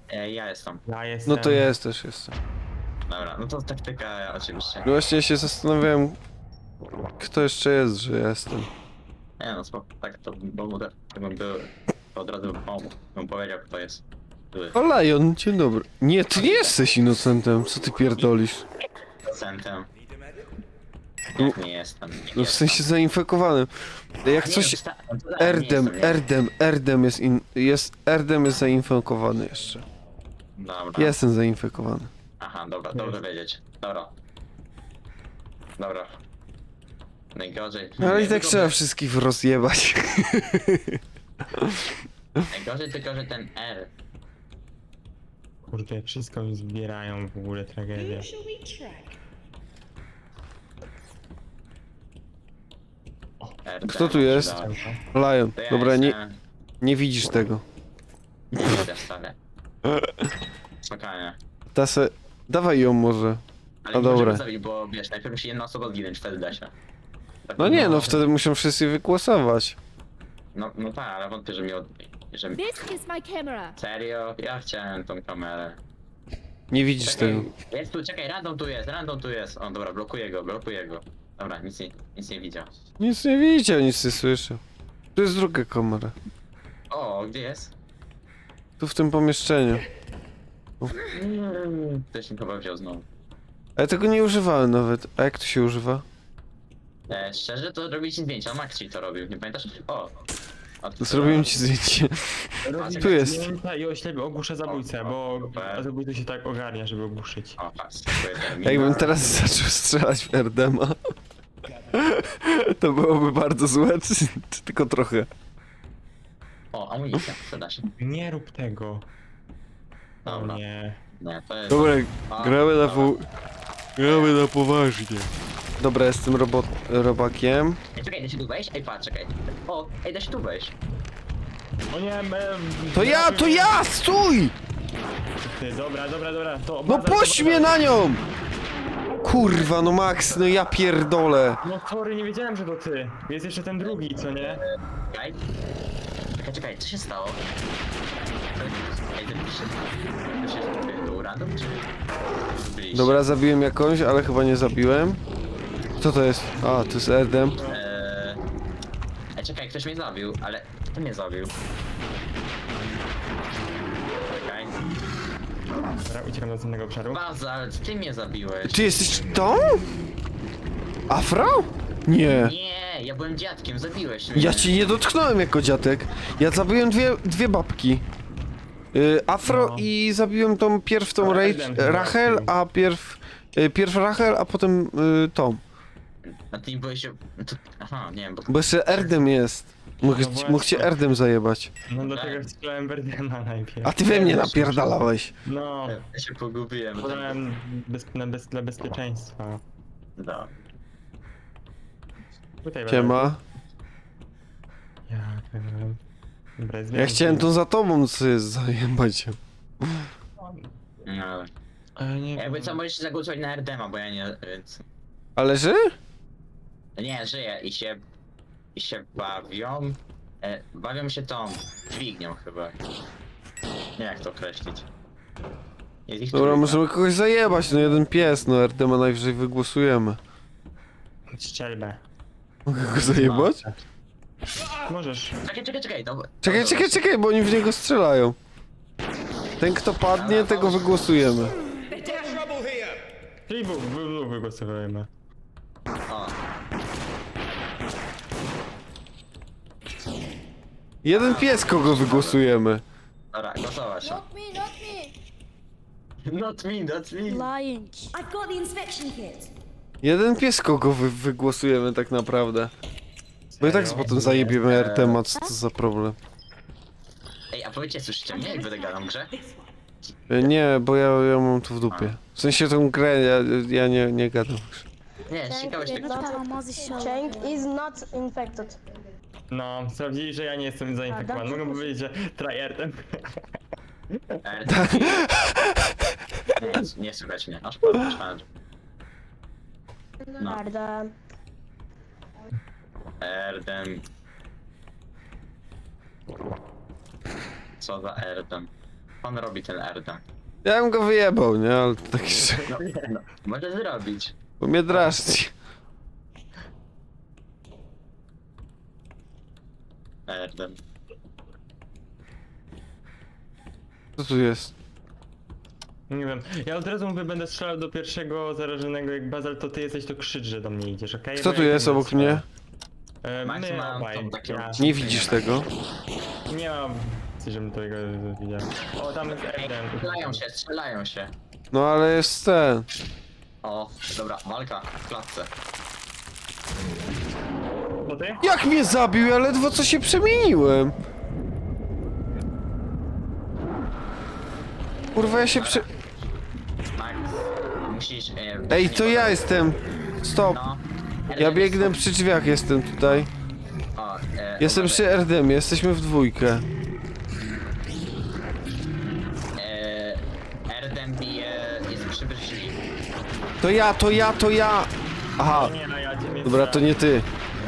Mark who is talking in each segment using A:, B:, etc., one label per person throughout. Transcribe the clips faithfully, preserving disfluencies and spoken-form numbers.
A: E, ja jestem.
B: Ja jestem.
C: No to ja jest też jestem.
A: Dobra, no to taktyka oczywiście.
C: No właśnie się zastanawiałem, kto jeszcze jest, że ja jestem.
A: Nie no, spoko, tak to bo mu tak bym był, to od razu bym pomógł, bym powiedział kto jest. Który
C: O, Lion, dzień dobry. Nie, ty nie jesteś innocentem, co ty pierdolisz?
A: procentem.
C: No-
A: Jak nie jestem. Nie
C: No w
A: jestem.
C: sensie zainfekowanym. Jak
A: Nie,
C: coś...
A: wsta- no to tak, nie
C: Erdem,
A: jestem, nie?
C: Erdem, Erdem jest in... jest... Erdem jest zainfekowany jeszcze.
A: Dobra.
C: Jestem zainfekowany.
A: Aha, dobra, dobrze wiedzieć. Dobra. Dobra. Najgorzej.
C: No ale i tak
A: Tylko,
C: trzeba
A: że-
C: wszystkich rozjebać.
A: Najgorzej tylko, że ten R.
B: Kurde, wszystko mi zbierają w ogóle, tragedia.
D: Who shall we track?
A: R
C: Kto tu jest? Lion,
A: To ja
C: dobra, nie,
A: jestem.
C: nie widzisz tego.
A: Nie widzę wcale. Spokojnie.
C: Tasę, dawaj ją może.
A: Ale
C: A
A: nie możemy
C: dobra.
A: zrobić, bo wiesz, najpierw musi jedna osoba zginąć, wtedy da się. Tak,
C: No nie, no wtedy muszą wszyscy wygłosować.
A: No, no tak, ale wątpię, że mi od... że...
E: This is my camera.
A: Serio? Ja chciałem tą kamerę.
C: Nie widzisz tego.
A: Jest tu, czekaj, random tu jest, random tu jest. O, dobra, blokuję go, blokuję go. Dobra, nic nie, nic nie widział.
C: Nic nie widział, nic nie słyszał. Tu jest druga kamera.
A: O, gdzie jest?
C: Tu w tym pomieszczeniu.
A: Mm, Ktoś mi chyba wziął znowu.
C: Ale tego nie używałem nawet. A jak to się używa?
A: E, szczerze, to robić zdjęcia, Max ci to robił, nie pamiętasz? O! A tu
C: Zrobiłem ci zdjęcie.
A: czekaj,
C: Tu jest.
B: Zdjęcia i oślepię, ogłuszę zabójcę, bo
A: Super.
B: zabójcy się tak ogarnia, żeby ogłuszyć.
A: O, patrz, dziękuję, termin.
C: Jakbym teraz zaczął strzelać w Erdema, to byłoby bardzo złe, czy, czy tylko trochę.
A: O, amunicja, przyda się.
B: Nie rób tego. O
A: Dobra.
B: nie.
A: Nie, to jest...
C: Dobra,
A: A,
C: gramy na
A: dobra.
C: pół... Gramy na poważnie. Dobra, jestem robot... robakiem.
A: Ej, czekaj, da się tu wejść? Ej, patrz, czekaj. O, ej, da się tu wejść.
B: O nie, em,
C: To ja, to ja, stój!
B: Ty, dobra, dobra, dobra, to...
C: No
B: baza-
C: puść mnie na nią! Kurwa, no Max, no ja pierdolę.
B: No sorry, nie wiedziałem, że to ty. Jest jeszcze ten drugi, co nie?
A: Czekaj. Czekaj, czekaj, co się stało? Ej, to się... To się... To był random, czy... Byliście?
C: Dobra, zabiłem jakąś, ale chyba nie zabiłem. Co to jest? A, to jest Erdem.
A: Eee... Ej, czekaj, ktoś mnie zabił, ale... Kto mnie zabił? Czekaj.
B: Dobra, uciekam do następnego obszaru.
A: Baza, ale ty mnie zabiłeś.
C: Ty jesteś tą? Afro? Nie.
A: Nie, ja byłem dziadkiem, zabiłeś mnie.
C: Ja ci nie dotknąłem jako dziadek. Ja zabiłem dwie, dwie babki. Y, Afro
B: No.
C: i zabiłem tą pierw tą
B: Ale
C: Rach
B: Erdem chyba
C: Rachel,
B: zabił.
C: a pierw... Y, pierw Rachel, a potem y, tą.
A: A ty nie byłeś... To... Aha, nie wiem, bo...
C: Bo jeszcze Erdem jest. Mógł,
B: No właśnie.
C: mógł cię Erdem zajebać.
B: No dlatego strzelałem Berdema najpierw.
C: A ty we mnie napierdalałeś.
B: No,
A: Ja się pogubiłem. tak.
B: podałem bez, na bez, dla bezpieczeństwa.
A: No.
B: Tutaj
C: Siema.
B: Ja, em, dobra, jest
C: Ja
B: więcej.
C: chciałem tu za tobą sobie zajebać się.
A: No.
B: Ale nie
A: Jakby
B: wiem.
A: co, możesz zagłosować na Erdema, bo ja nie... Więc...
C: Ale że?
A: Nie, żyję i się... I się bawią... E, bawią się tą... dźwignią chyba. Nie wiem jak to określić. Jest ich
C: Dobra,
A: trójka.
C: możemy kogoś zajebać, no jeden pies, no Erdema najwyżej wygłosujemy.
B: Strzelbę.
C: Mogę go zajebać?
B: Możesz.
A: Czekaj, czekaj, czekaj, no...
C: Czekaj, czekaj, czekaj, bo oni w niego strzelają. Ten kto padnie, tego wygłosujemy.
B: Czyli w, w, w, wygłosowujemy.
A: O,
C: Jeden pies, kogo wygłosujemy.
A: dobra, głosować.
E: Not me, not me.
A: Not me, not me.
E: Lying.
D: I've got the inspection kit.
C: Jeden pies, kogo wy wygłosujemy tak naprawdę. Bo i tak
B: Serio?
C: potem zajebiemy R temat, co to za problem.
A: Ej, a powiedzcie, słyszycie mnie, jak będę gadał w grze?
C: E, Nie, bo ja, ja mam tu w dupie. W sensie tą grę, ja, ja nie, nie gadam.
A: Nie, ciekawość tak...
F: Cheng is not infected.
B: No, sprawdzili, że ja nie jestem zainfekowany. Mogę powiedzieć, że tryhardem.
A: Erdem. Nie, nie słychać mnie, aż padł, szkoda. No,
F: Arda.
A: Erdem. Co za Erdem? on robi ten Erdem?
C: Ja bym go wyjebał, nie? Ale to tak jeszcze...
A: No, no, może zrobić.
C: Bo mnie drażni.
A: Erdem.
C: Co tu jest?
B: Nie wiem, ja od razu mówię, będę strzelał do pierwszego zarażonego, jak Bazal, to ty jesteś, to krzycz, że do mnie idziesz, okej?
C: Kto
B: Bo
C: tu
B: ja
C: jest
B: będę
C: obok
B: strzelał.
C: mnie?
B: E,
A: Max
B: my
A: ma
B: obaj,
A: tą taką-
B: ja.
C: Nie widzisz tego?
B: Nie mam opcji, żebym tego widział. O, tam jest Eden.
A: Strzelają się, strzelają się.
C: No ale jest ten.
A: O, dobra, walka w klatce.
B: To ty?
C: Jak mnie zabił? Ja ledwo co się przemieniłem. Kurwa, ja się prze...
A: Max, musisz... E,
C: Ej,
A: nie
C: to ja
A: podać-
C: jestem. Stop.
A: No.
C: Ja
A: Erdem
C: biegnę
A: jest-
C: przy drzwiach, jestem tutaj.
A: O, e,
C: Jestem
A: uważaj.
C: przy Erdemie, jesteśmy w dwójkę.
A: E, Erdem bije, jest przy drzwi.
C: To ja, to ja, to ja! Aha,
B: Nie, no ja cię nie
C: dobra, to nie ty.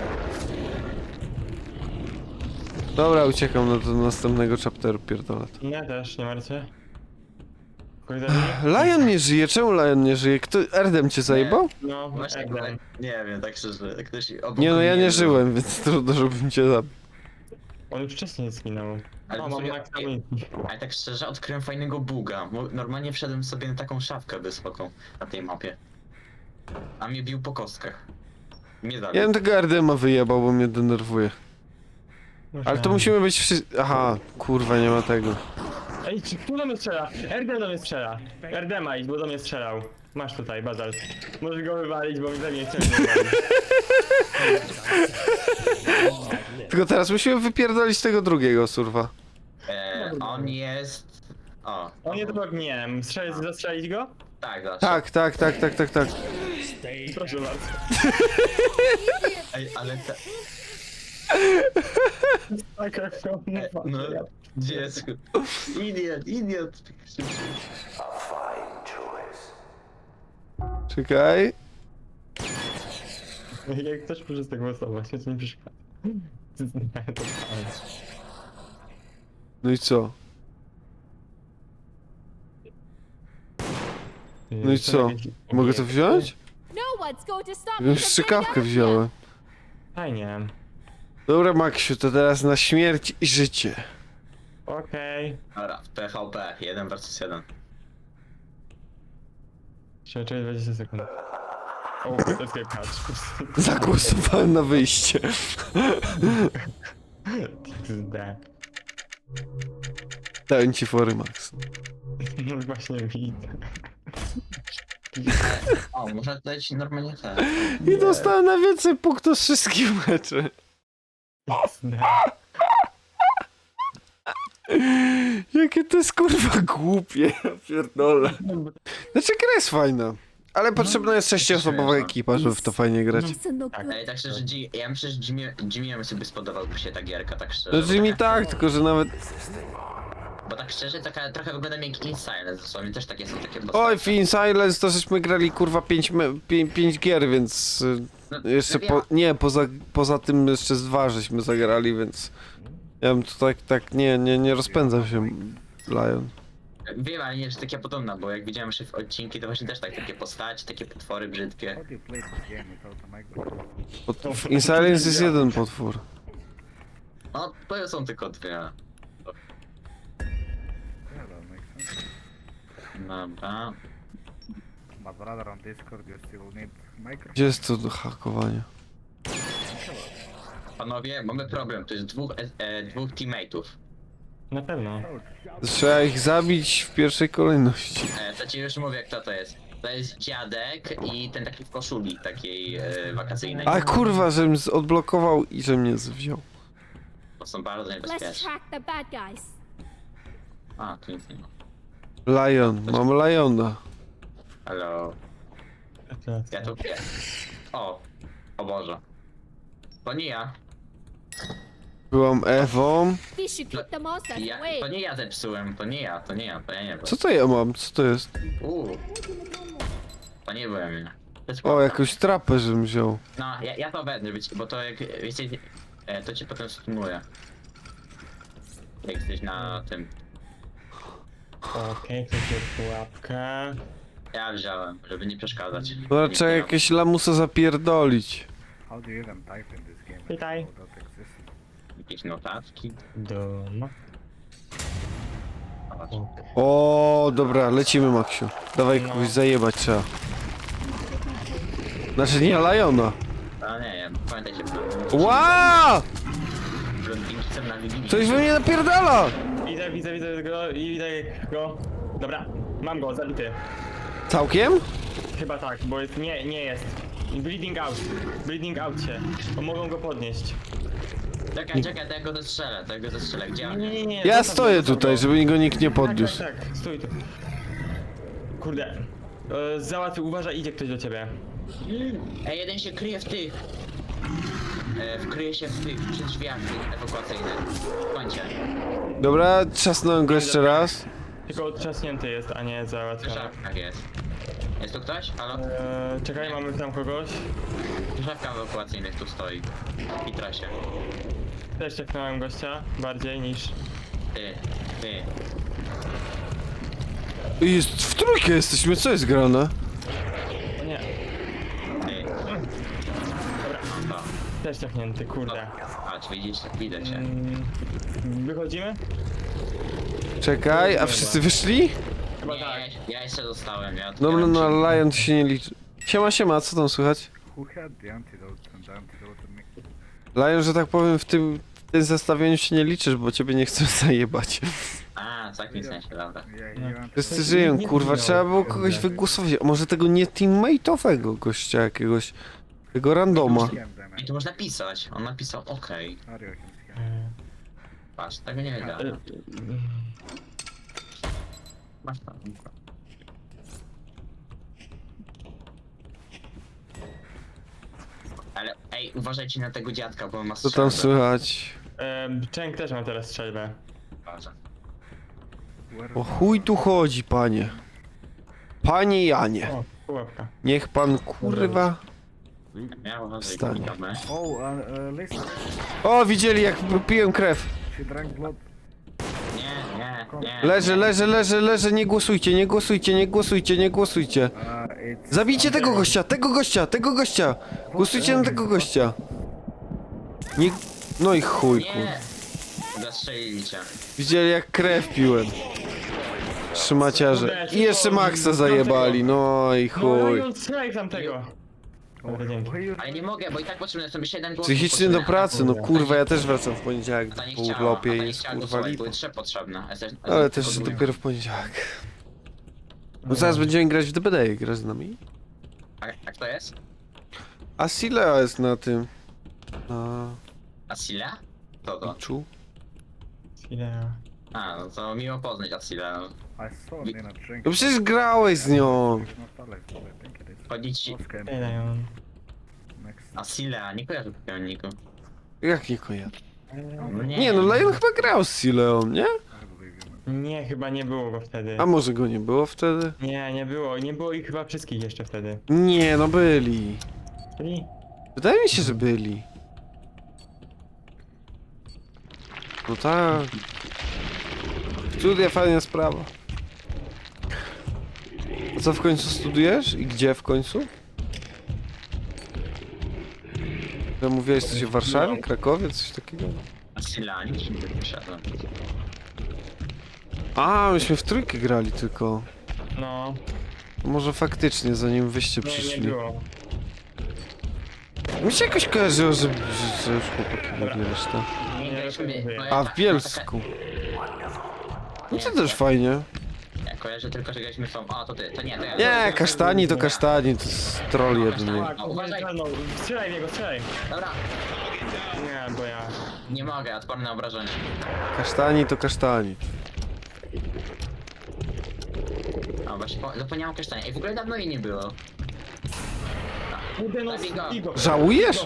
C: Dobra, uciekam do, do następnego chapteru, pierdolę. to.
B: Ja też, nie martwię. Kurde,
C: Lion nie żyje, czemu Lion nie żyje? Kto, Erdem cię zajebał?
B: no,
A: Właśnie,
B: Eden.
A: nie wiem, tak szczerze, ktoś obok
C: Nie no, ja
A: mnie
C: nie
A: był.
C: żyłem, więc trudno, żebym cię zabił.
B: On już wcześniej zginął.
A: Ale
B: O,
A: to
B: mam
A: sobie-
B: max amunicji.
A: Ale tak szczerze, odkryłem fajnego buga. Mo- Normalnie wszedłem sobie na taką szafkę wysoką na tej mapie. A mnie bił po kostkach. Mnie zabił.
C: Ja bym tego Erdema wyjebał, bo mnie denerwuje. Ale to musimy być wszyscy... Aha, kurwa, nie ma tego.
B: Ej, czy kto do mnie strzela? Erdem do mnie strzela. Erdema idź, bo do mnie strzelał. Masz tutaj, Bazal. Możesz go wywalić, bo mi za mnie chciał wywalić.
C: Tylko teraz musimy wypierdolić tego drugiego, surwa.
A: E, on jest... O.
B: On jest obok mnie. Strzelić, zastrzelić go?
A: Tak, zawsze.
C: Tak, tak, tak, tak, tak, tak.
B: Proszę bardzo.
A: Ej, ale te...
B: Taka
A: E,
B: chroma.
A: no, dziecko. Idiot, idiot.
C: Czekaj.
B: Jak ktoś może z tego głosować, to nie przeszkadza. Nie, to fajnie.
C: No i co? No i co? Mogę to wziąć?
E: No one's going to stop me
C: Już
E: from
C: strzykawkę
E: getting out of
C: wziąłem.
B: Fajnie.
C: Dobra, Maksiu, to teraz na śmierć i życie.
B: Okej.
A: Dobra, w P V P, jeden versus jeden.
B: Trzeba czekać dwadzieścia sekund. O, to jest jak patch.
C: Zagłosowałem na wyjście.
B: D.
C: Dałem ci fory, Max.
B: No właśnie widzę.
A: O, można dać normalnie te.
C: I dostałem najwięcej punktów z wszystkich meczy.
B: D.
C: Jakie to jest kurwa głupie, ja pierdolę. Znaczy gra jest fajna, ale potrzebna jest sześcioosobowa ekipa, żeby w to fajnie grać.
E: That's no good.
A: Ej, tak szczerze, G- ja myślę, że Jimmy, Jimmy'emu sobie spodobałby się ta gierka, tak szczerze.
C: No
A: bo
C: Jimmy
A: taka-
C: tak, tylko że nawet...
A: Bo tak szczerze, taka, trochę wygląda jak In Silence, dosłownie też takie są takie postacie.
C: Oj, Fin Silence to żeśmy grali kurwa pięć, me- pię- pięć gier, więc... y,
A: No,
C: Jeszcze
A: wiem.
C: po... Nie, poza, poza tym jeszcze z dwa żeśmy zagrali, więc... Ja bym tu tak, tak, nie, nie, nie rozpędzam się, Lion.
A: Wiem, ale nie jest taka podobna, bo jak widziałem jeszcze w odcinki, to właśnie też tak takie postacie, takie potwory brzydkie.
G: How do you play this game without a microphone?
C: Pot... W In Silence jest jeden potwór.
A: No, to są tylko dwie.
G: Yeah, that makes sense.
A: Dobra.
G: But brother, on Discord you still need microphone.
C: Gdzie jest to do hakowania?
A: Panowie, mamy problem, to jest dwóch, e, e, dwóch teammateów.
B: Na pewno.
C: Trzeba ich zabić w pierwszej kolejności.
A: E, to ci już mówię, kto to jest. To jest dziadek i ten taki w koszuli, takiej e, wakacyjnej.
C: A kurwa, żebym z- odblokował i że mnie wziął.
A: To są bardzo
E: Let's
A: niebezpieczne.
E: track the bad guys.
A: A, tu nic nie ma.
C: Lion, mam Liona.
A: Halo. Ja tu pies. O, o Boże. To nie ja.
C: Byłam Ewą.
E: We should keep the monsters
A: ja.
E: away.
A: To nie ja zepsułem, to nie ja, to nie ja, to ja nie byłem.
C: Co to ja mam? Co to jest?
A: Uuu. To nie byłem ja. To jest
C: O,
A: prawda.
C: jakąś trapę, żebym wziął.
A: No, ja, ja to będę, wiecie, bo to jak wiecie, e, to cię potem stunuje. Jak jesteś na tym.
B: Okej, ktoś wziął pułapkę.
A: Ja wziąłem, żeby nie przeszkadzać.
C: Dobra, trzeba jakieś lamusa zapierdolić.
G: How do you even type in this game?
B: Witaj.
G: How that exists?
A: Jakieś notatki.
B: Dom.
C: O, dobra, lecimy, Maksiu. Dawaj kogoś zajebać trzeba. Znaczy nie Liona.
A: A nie wiem, pamiętajcie.
C: Ła!
A: Blondynki na Wigilii.
C: Coś we mnie napierdala!
B: Widzę, widzę, widzę go i widzę go. Dobra, mam go, zabity.
C: Całkiem?
B: Chyba tak, bo jest, nie, nie jest. Bleeding out. Bleeding out się. Bo mogą go podnieść.
A: Czekaj, czekaj, tego dostrzelę, tego dostrzelę. Gdzie on
B: Nie,
A: jest?
B: nie, nie.
C: Ja
B: zostaw
C: stoję
B: go, zostaw
C: tutaj,
B: go.
C: żeby go nikt nie
B: Tak,
C: podniósł.
B: tak, tak, stój tu. Kurde. E, załatwił, uważaj, idzie ktoś do ciebie.
A: Ej, jeden się kryje w tych. E, wkryje się w tych, przy drzwiach tych ewakuacyjnych. W kącie.
C: Dobra, trzasnąłem go jeszcze raz.
B: Tylko otrzaśnięty jest, a nie
A: W
B: załatwiony.
A: szafkach jest. Jest tu ktoś? Halo?
B: E, czekaj, mamy tam kogoś.
A: W szafkach ewakuacyjnych tu stoi. I trasie.
B: Też cieknąłem gościa, bardziej niż...
A: Ty, ty.
C: Jest, w trójkę jesteśmy, co jest grane?
B: O nie,
A: Ty. Dobra, no to.
B: też cieknięty, kurde.
A: Patrz, widzisz? Widzę cię.
B: Mm, wychodzimy?
C: Czekaj, a wszyscy wyszli?
B: Chyba
A: Nie,
B: tak.
A: ja jeszcze zostałem, ja
C: No, no,
A: otwieram
C: no,
A: drzwi.
C: Lion to się nie liczy. Siema, siema, co tam słychać?
G: Who had the antidote and the antidote me?
C: Lion, że tak powiem, w tym, w tym zestawieniu się nie liczysz, bo ciebie nie chcę zajebać.
A: A, w takim sensie, dobra.
G: Yeah,
B: No.
G: you want
C: Wszyscy żyją,
B: nie
C: kurwa,
B: zginął.
C: trzeba było kogoś wygłosować. A może tego nie teammate'owego gościa jakiegoś, tego randoma.
G: scam them?
A: I tu można pisać. On napisał okej.
G: Are you can scam?
A: Patrz, tego nie wiedziałem.
B: E,
A: Masz tam. Ale ej, uważajcie na tego dziadka, bo on ma
C: Co tam
A: strzelbę.
C: słychać?
B: e, Cheng też ma teraz strzelbę.
A: Uważaj.
G: Where
C: O chuj tu chodzi, panie. Panie Janie,
B: O, pułapka.
C: niech pan kurwa...
A: Ja uważaj,
C: Wstań.
A: klikamy.
G: Oh, uh, uh, listen.
C: O, widzieli jak piłem krew.
G: She drank blood.
A: Nie, nie, nie.
C: Leżę, leżę, leżę, leżę, nie głosujcie, nie głosujcie, nie głosujcie, nie głosujcie.
G: Uh, it's
C: Zabijcie tego gościa, tego gościa, tego gościa! Głosujcie na tego gościa. Nie... No i chuj, kur...
A: Nie! Zastrzelili cię.
C: Widzieli jak krew piłem. Trzymaciarze. I jeszcze Maxa zajebali, no i
B: No
C: chuj.
B: i on strzelaj tamtego. Dobra, dzięki.
G: why you
A: Ale nie mogę, bo i tak potrzebuję sobie siedem głosów.
C: Psychicznie do
A: potrzebuję.
C: pracy, no kurwa, ja też wracam w poniedziałek,
A: Ta nie
C: po
A: chciała,
C: urlopie
A: a ta nie
C: jest
A: chciała
C: kurwa
A: głosować,
C: lipa.
A: były trzy potrzebne. a jesteś- a
C: Ale
A: tylko
C: też
A: druga.
C: dopiero w poniedziałek. No zaraz będziemy grać w D B D, grasz z nami?
A: A, a kto jest?
C: A Silea jest na tym... Na...
A: Asila? Kto to?
C: Picchu?
B: Ile?
A: A, no to miło poznać Asila.
G: I saw Nina drink.
C: No przecież grałeś z nią!
G: It's not Alex, but I think it is.
A: Chodzi ci...
G: Oh, scam.
B: Ile on?
G: Next.
A: Asila, nie kojarzę takiego niku.
C: Jak nie kojarzę?
A: No
C: Nie no, Lion chyba grał z Sileą, nie?
G: I believe you, man.
B: Nie, chyba nie było go wtedy.
C: A może go nie było wtedy?
B: Nie, nie było. Nie było ich chyba wszystkich jeszcze wtedy.
C: Nie, no byli.
B: Czyli?
C: Wydaje mi się, że byli. No tak. Studia fajna sprawa. A co w końcu studujesz? I gdzie w końcu? Ja mówiłeś coś w Warszawie, Krakowie, coś takiego?
A: Asila, nie się nie wysiadłem.
C: A, myśmy w trójkę grali tylko.
B: No,
C: Może faktycznie, zanim wyście
B: nie, nie
C: przyszli.
B: było.
C: Mi się jakoś kojarzyło, że, że, że już chłopaki
B: Dobra.
C: byli reszta.
A: Nie graliśmy...
B: rozumiem.
A: no ja
C: A,
A: tak-
C: w Bielsku. No to też fajnie.
A: Ja kojarzę tylko, że graliśmy w tą... A, to ty, to nie, to ja.
C: Nie, kasztani to kasztani, to jest troll jeden.
B: Tak,
A: No, uważaj.
B: no, strzelaj w niego, strzelaj.
A: Dobra,
B: Nie, bo ja...
A: nie mogę, odporny na obrażenie.
C: Kasztani to kasztani.
A: A właśnie, po- zapomniałem o kasztanie. Ej, w ogóle dawno jej nie było.
B: Kurde, no,
A: Zabij go.
B: bij go.
C: Żałujesz?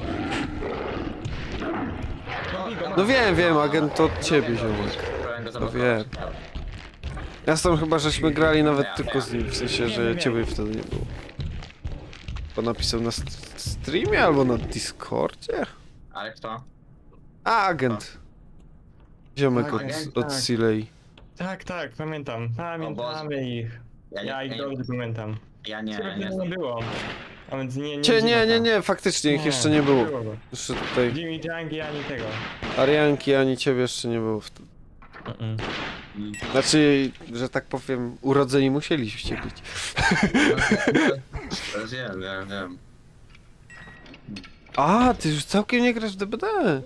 B: No, bij go,
C: No wiem, wiem, agent to od ciebie, ziomek.
A: Próbowałem go
C: To
A: zablokować.
C: wiem. Ja z tym chyba żeśmy grali nawet tylko z nim, w sensie, że ciebie wtedy nie było. Bo napisał na st- streamie albo na Discordzie?
A: Ale kto?
C: A, agent. Ziomek od,
B: Agent,
C: od
B: tak.
C: Silei.
B: Tak, tak, pamiętam. Pamiętamy ich.
A: Ja,
B: Ja
A: nie,
B: ich
A: ja,
B: dobrze pamiętam.
A: ja nie,
B: Ciebie
A: nie,
B: wtedy nie było. A więc nie, nie.
C: Cie, nie,
B: zima
C: nie,
B: ta.
C: nie, faktycznie ich jeszcze nie było.
B: go.
C: Jeszcze tutaj
B: Jimmy Jungi ani tego.
C: Arianki ani ciebie jeszcze nie było wtedy.
B: Mm-mm.
C: Znaczy, że tak powiem, urodzeni musieliście być.
A: no, wiem, wiem, wiem.
C: A, ty już całkiem nie grasz w D B D.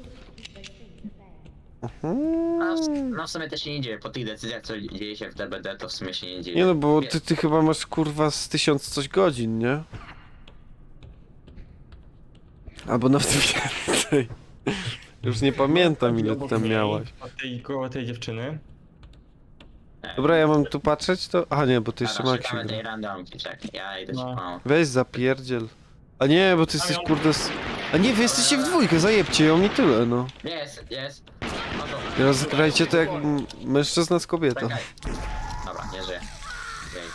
C: Mhm.
A: No, w- no w sumie też się nie dzieje, po tych decyzjach co dzieje się w D B D to w sumie się nie dzieje.
C: Nie no, bo ty, ty chyba masz kurwa z tysiąc coś godzin, nie? Albo nawet więcej. Już nie pamiętam ile ty
B: Obok
C: tam
B: niej,
C: miałaś.
B: od tej, koło tej dziewczyny.
C: Dobra, ja mam tu patrzeć to... A nie, bo ty jeszcze
A: Dobra,
C: Maksiu
A: szukamy tej
C: gra.
A: randomki, czekaj, ja idę
B: No.
A: się no.
C: Weź zapierdziel. A nie, bo ty jesteś kurde z... A nie, wy jesteście w dwójkę, zajebcie ją i tyle, no.
A: Jest, jest. No to...
C: I rozgrajcie to jak m- mężczyzna z kobietą.
A: Czekaj. Dobra, nie żyje. Jej.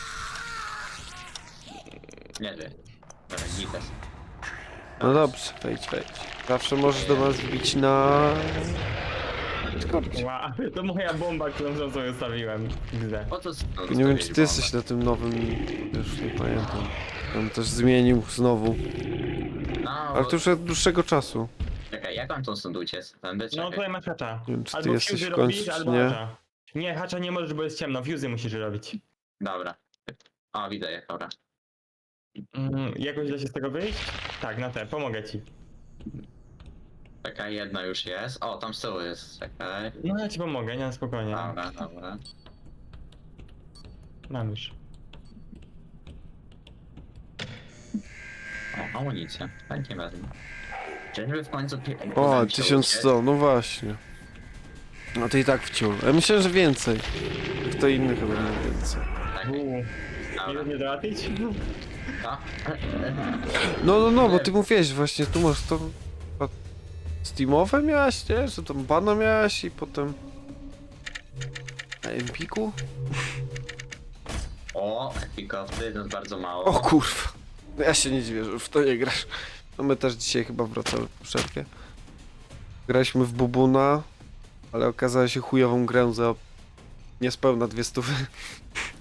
A: Nie żyje. Dobra, gites.
C: No dobrze, wejdź, wejdź. Zawsze możesz do nas wbić na... Discordzie.
B: Wow, to moja bomba, którą sam sobie stawiłem. Gdzie?
A: Po co... No,
C: Nie wiem, czy ty jesteś na tym nowym... Już nie pamiętam. On też zmienił znowu.
A: No,
C: Ale
A: bo...
C: to już od dłuższego czasu.
A: Czekaj, jak mam tą stąd uciec? Tędy,
B: No
A: czekaj.
B: tutaj masz hacza.
C: Nie wiem, czy ty
B: Albo
C: jesteś
B: fuzy
C: w końcu,
B: robisz,
C: czy
B: albo
C: nie.
B: hacza. Nie, hacza nie możesz, bo jest ciemno. Fuzy musisz robić.
A: Dobra. O, widzę je, dobra.
B: Mm, jakoś da się z tego wyjść? Tak, na te, pomogę ci.
A: Czekaj, jedna już jest. O, tam z tyłu jest, czekaj.
B: No ja ci pomogę, nie, spokojnie.
A: Dobra, dobra.
B: Mam już.
A: O, amunicja. Chętnie wezmę. Czyżby w końcu... pi-
C: O,
A: uda mi się
C: tysiąc
A: uciec?
C: sto, no właśnie. No to i tak wciął. Ja myślę, że więcej. Kto inny chyba nie więcej.
A: Czekaj,
B: Uuu,
A: dobra.
B: nie nie trafić?
A: To?
C: No, no, no, bo ty mówiłeś właśnie, tu masz to... a Steamowe miałeś, nie? Że tam bana miałeś i potem... Na Empiku?
A: O, epikowcy, to jest bardzo mało.
C: O kurwa. No ja się nie dziwię, że w to nie grasz. No my też dzisiaj chyba wracamy po przerwie. Graliśmy w Bubuna, ale okazała się chujową grę za niespełna dwie stówy.